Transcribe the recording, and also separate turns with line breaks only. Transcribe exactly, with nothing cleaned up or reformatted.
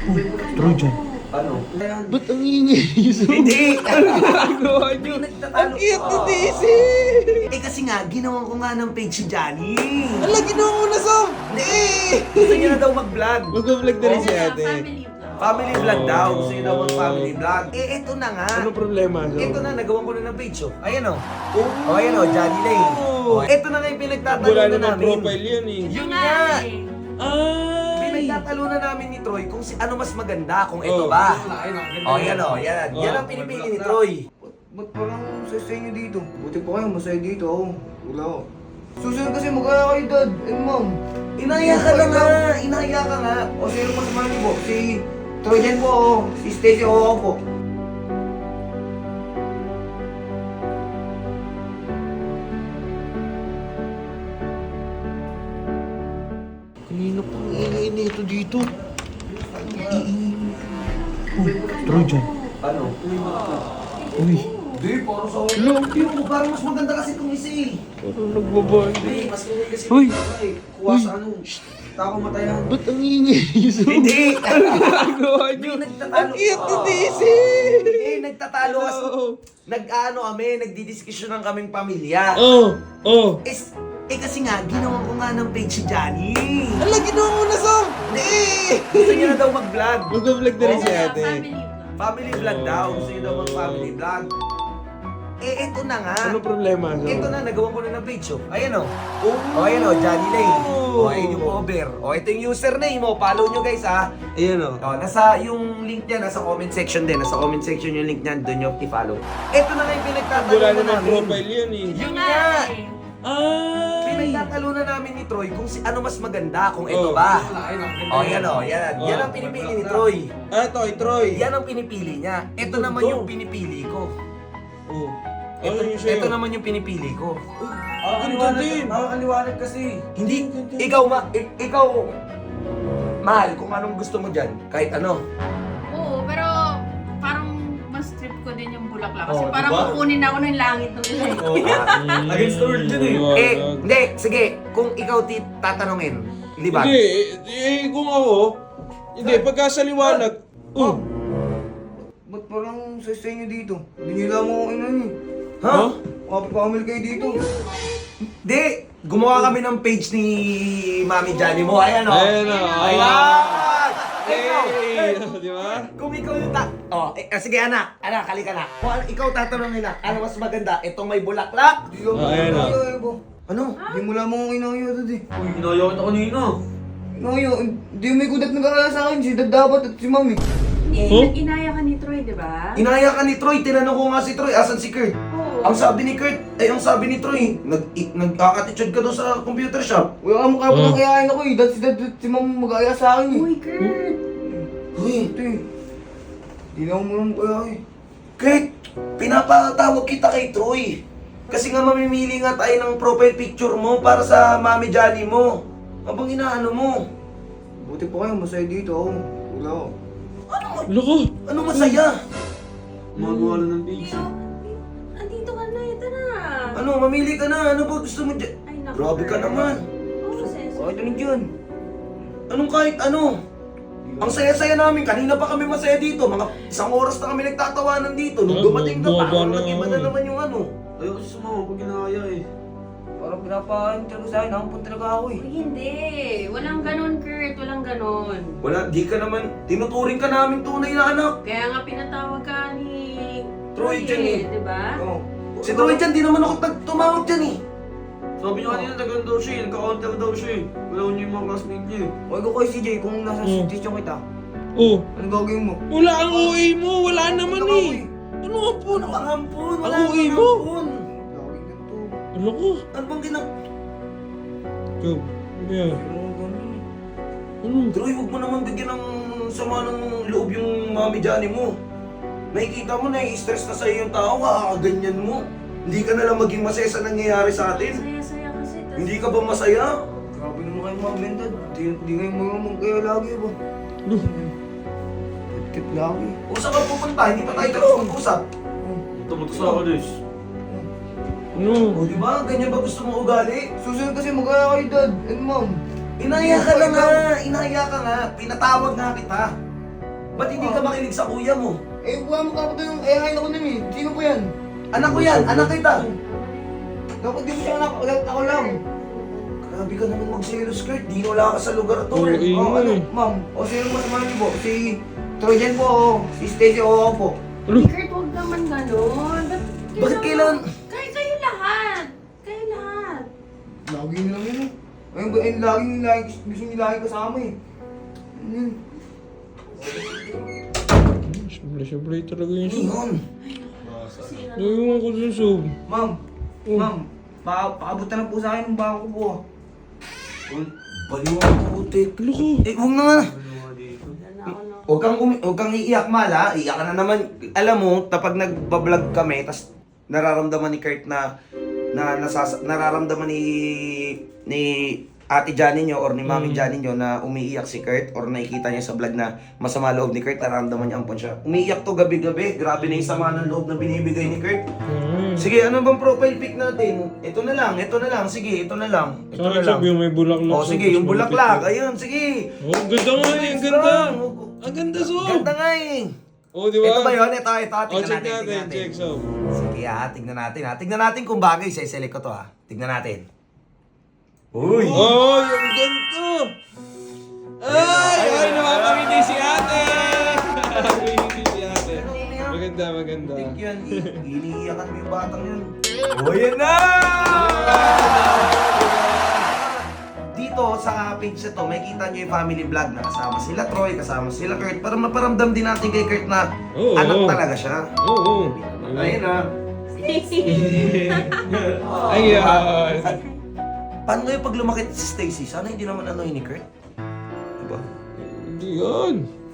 Trojan.
Ano?
Ba't ang ingay niyo so?
Hindi!
Ano ginagawa niyo? Ang
Nagtatalo.
cute ni Daisy!
Eh kasi nga, ginawa ko nga ng page si Johnny.
Ala, ginawa mo na so!
Hindi! Gusto niya na daw mag-vlog.
Mag-vlog na rin si ate.
Family vlog.
Family vlog daw. Gusto niya daw mag-family vlog. Eh, eto na nga.
Ano problema so?
Ito na, nagawa ko na ng page, oh. Ayan, oh. Oh, ayan, oh, Johnny Lane. Oh, ito na nga yung pinagtatalo
Wala
na
naman
namin.
profile yan eh.
Yun
nga
nga.
eh.
Ay!
Pinagtatalo na namin ni Troy kung si ano mas maganda, kung ito
Oh.
ba. Oh, yan, oh, yan. Yan
Oh.
ang pinipili ni Troy.
Ba't parang sasay nyo dito? Buti pa kayo, masaya dito ako. Wala ako. Susunod kasi magkaya kayo, dad and mom.
Inaya ka na nga, inaya ka nga.
O sino pa samahan niyo po? Si Trojan po ako. Si Stacy o ako po.
Kanina pang ingay nito dito. Oh, Trojan.
Ano?
Uy,
Hindi, parang sa
Hello?
Yung parang mas maganda kasi itong isa eh.
parang nagbabandi.
Hindi, mas maganda kasi
Uy!
itong isa eh. Kuha sa ano. Tako matayan.
Ba't ang ingay niyo so?
Hindi!
Ano ginagawa niyo?
Hindi, nagtatalo.
Ang cute ni Daisy!
Hindi, nagtatalo kasi.
Oo.
Nag-ano kami, nagdidiskusyon ng kaming pamilya.
Oh, oh.
Es, eh kasi nga, ginawa ko nga ng page si Johnny.
Ala, ginawa mo na so!
Hindi! Gusto niya na daw mag-vlog.
Mag-vlog na rin si
Oo.
ate.
Family vlog.
Family vlog daw. Gusto niya daw mag-family vlog. Eh, eto na nga.
Ano problema so?
Ito na, nagawa ko na ng page, oh. Ayan, oh. Oh, ayan, oh, Johnny Lane. Oh, ayan yung cover. Oh, ito yung username, oh. Follow nyo, guys, ha.
Ayan o.
Oh, nasa yung link niya, nasa comment section din. Nasa comment section yung link niyan, doon nyo i-follow. Ito na nga yung pinagtatalo
Wala
na
naman
namin.
profile yan eh.
Yun nga.
eh.
Ay!
Pinagtatalo na namin ni Troy kung si ano mas maganda, kung ito
Oh.
ba. Oh, yan, oh, yan. Yan
Oh.
ang pinipili ni Troy.
Ah, Toy, Troy.
Yan ang pinipili niya. Ito naman yung pinipili ko.
Oh.
Ito,
Ano yung sa'yo?
ito naman yung pinipili ko.
Ganda din.
Nakakaliwanag kasi.
Hindi, ikaw ma, i- ikaw, mahal, kung anong gusto mo dyan, kahit ano.
Oo, pero parang mas trip ko din yung bulaklak. Kasi
Oh,
parang
diba?
kukunin ako ng langit ng nila.
Mm.
Against the world yun eh.
Eh, hindi, sige, kung ikaw ti tatanungin, liban.
Hindi, eh, eh, kung ako, hindi, pagka sa liwanag, oh,
Ba't parang sasay nyo dito? Hindi nyo lang ako ino nyo.
Ha?
Kapapamil kayo dito.
Hindi, gumawa kami ng page ni Mami Johnny mo. Ayan o.
Ayan o.
Ayan! Ikaw,
eh, di ba?
kung ikaw yung ta... Oh, eh, ah, sige anak, anak, halika na. Kung ano, ikaw tatanungin na, ano mas maganda? Itong may bulaklak?
Hindi ako
Ah, ayan na.
inayo po.
Ano?
Hindi mo lang ako inayo, dad eh.
Uy, inayo kita kanina.
Inayo, hindi may kudat nag-aalala sa akin. Si dad dapat at si mami.
Hindi,
Oh?
inaya ka ni Troy, di ba?
Inaya ka ni Troy, tinanong ko nga si Troy, asan si Kurt?
Oo.
Ang sabi ni Kurt, ay ang sabi ni Troy, nag i- nag-attitude ka doon sa computer shop.
Wala ka mukha po
Oh.
nang kayain ako eh. Dad si dad at si mami mag-aaya sa akin eh.
Uy, Kurt!
Uy,
Ito eh. Hindi na ako muna kaya eh.
Kurt, pinapatawag kita kay Troy. Kasi nga mamimili nga tayo ng profile picture mo para sa Mami Johnny mo. Abang inaano mo?
Buti pa kayo, masaya dito ako. Wala ako.
Loko.
Ano masaya?
Magawa na ng page.
Iyo, andito ka na, ito na.
Ano, mamili ka na. Ano ba gusto mo dyan?
Ay, naku,
Grabe ka
Kurt.
naman.
Oo, sense.
Bakit ano dyan?
Anong kahit ano? Ang saya-saya namin. Kanina pa kami masaya dito. Mga isang oras na kami nagtatawanan dito. Nung
Ah,
dumating ka pa,
boba
ano,
na
nag-iba
ako
na
eh.
naman yung ano.
Ayaw kasi sumama pag ginaya eh.
Parang pinapain talaga sa akin. Nakampun talaga ako eh.
Uy, hindi. Walang ganon, Kurt. Walang ganon.
Wala, di ka naman, tinuturing ka namin tunay na anak.
Kaya nga pinatawag ka ni
Troy dyan eh.
di ba?
Oo.
Si Troy dyan, di naman ako tag- tumawag dyan eh.
Sabi niya kanina, tagan daw siya eh. Nagka-counter daw siya eh. Wala niya yung mga classmate niya eh.
Huwag ko kay C J kung nasa
Hmm.
station kita.
Oh,
Anong gagawin mo?
wala ang O A mo, wala naman eh. Ano nga po?
Ano bang hampun? Wala
Ang uwi
namang
mo?
hampun.
Gagawin ganito.
Loko.
Ano bang ginag...
Go. Yeah.
Ano ganun?
Ano?
Troy, huwag mo naman bigyan ng sama ng loob yung Mami Johnny mo. Nakikita mo na, i-stress na sa'yo yung tao, kakaganyan mo. Hindi ka na lang maging masaya sa nangyayari sa atin.
Saya-saya kasi. tas-
Hindi ka ba masaya?
Grabe naman kayo mga bendad. Di, di kayo mga kaya lagi ba?
Ano?
Kit lagi.
O saan ka pupunta? Hindi pa tayo tapos mag-usap.
Tumot sa ako Des.
Ano?
O di ba? Ganyan ba gusto mo ugali?
Susunod kasi mag-aya kayo dad and mom.
Inaya ka na nga! Inaya ka nga! Pinatawag nga kita! Ba't hindi ka makinig sa kuya mo?
Eh, buha mo ka yung ayahin ako nun eh. Sino po yan?
Anak ko yan, anak kita.
Dapat di mo siya anak, ako lang.
Grabe ka naman mag-selos, Kurt. Di wala ka sa lugar to.
Oo, eh.
Oh, ano, ma'am? O sino mo naman niyo po? Si Trojan po, o. Si Stacy, o ako po.
Ano?
Kurt, huwag naman ganun. Ba't
Bakit kailangan?
Kayo, kayo lahat. Kayo lahat.
Lagi nyo lang yun eh. Ayun ba, eh, lagi nyo lagi, gusto nyo lagi kasama eh. Hmm.
Siyempre-siyempre talaga yung sob.
Ngayon.
Naiwan ko dun sob.
Ma'am,
Oh.
ma'am, pa paabot na po sa akin ng bangko po. ah.
Baliw ang putik.
Loko.
Eh, huwag na nga.
Wala na ako na.
Huwag kang, umi- huwag kang iiyak, Mal, ha? Iiyak ka na naman. Alam mo, kapag nagbablog kami, tas nararamdaman ni Kurt na, na nasas nararamdaman ni ni Ate Johnny nyo or ni Mami
Mm.
Johnny nyo na umiiyak si Kurt or nakikita niya sa vlog na masama loob ni Kurt, nararamdaman niya ampon siya. Umiiyak to gabi-gabi. Grabe na yung sama ng loob na binibigay ni Kurt.
Mm.
Sige, ano bang profile pic natin? Ito na lang, ito na lang. Sige, ito na lang. Ito
Saan
na lang.
sob yung may bulaklak?
Oh,
sob,
sige,
tas
yung bulaklak.
malapit
Ayun, sige.
ka. Oh, ang ganda nga eh, ang ganda. Ang ganda sob.
Ganda nga eh.
Oh, di ba?
Ito ba yun? Ito, ito.
Oh,
Tignan
check
natin,
natin,
tignan natin.
check sob.
Sige ha, tignan natin ha. Tignan natin kung bagay. Siselect ko to ha. Tignan natin. Uy!
Oh, yung ganda. Ay, ay, nakakangiti si ate. Nakakangiti si ate. Maganda, maganda.
Tik yan. i- Iniiyakan mo yung batang yun. O, yan na! Dito sa page na to, may kita nyo yung family vlog na kasama sila Troy, kasama sila Kurt. Para maparamdam din natin kay Kurt na
Oo,
anak
oo.
talaga siya.
Oo.
Ayun na.
Ayan.
Paano ngayon pag lumakit si Stacy? Sana hindi naman ano yun ni Kurt? Diba?
Hindi yan.